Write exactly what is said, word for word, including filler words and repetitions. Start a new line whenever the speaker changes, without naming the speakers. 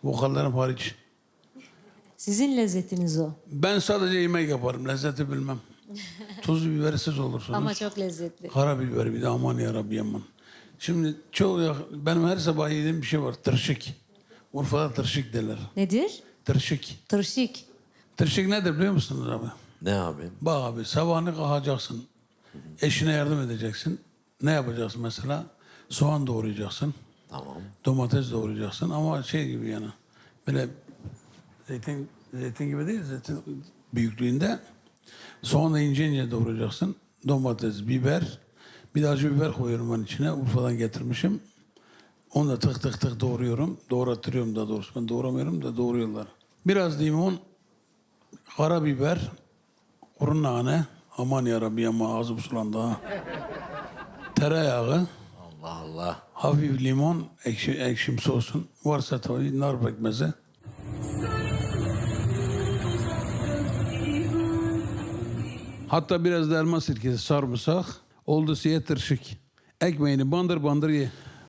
Vokallerim hariç.
Sizin lezzetiniz o.
Ben sadece yemek yaparım. Lezzeti bilmem. Tuz bibersiz olursunuz.
Ama çok lezzetli.
Karabiber bir de aman yarabbi aman. Şimdi çok ya- benim her sabah yediğim bir şey var. Tırşık. Urfa'da tırşık derler.
Nedir?
Tırşık.
Tırşık.
Tırşık nedir biliyor musunuz abi?
Ne abi?
Bak abi sabahını kalkacaksın. Eşine yardım edeceksin. Ne yapacaksın mesela? Soğan doğrayacaksın.
Tamam.
Domates doğrayacaksın ama şey gibi yani. Böyle zeytin zeytin gibi değil, zeytin büyüklüğünde. Soğanı ince ince doğrayacaksın. Domates, biber. Bir de acı biber koyuyorum ben içine. Urfa'dan getirmişim. Onu da tık tık tık doğruyorum. Doğrattırıyorum da doğrusu. Ben doğramıyorum da doğruyorlar. Biraz limon, karabiber, kuru nane. Aman yarabbi ama ağzım sulandı ha. Tereyağı,
Allah Allah.
hafif limon, ekşi, ekşimsi olsun. Varsa tabii nar pekmezi. Hatta biraz da elma sirkesi, sarımsak. Oldu siye tırşık. Ekmeğini bandır bandır ye.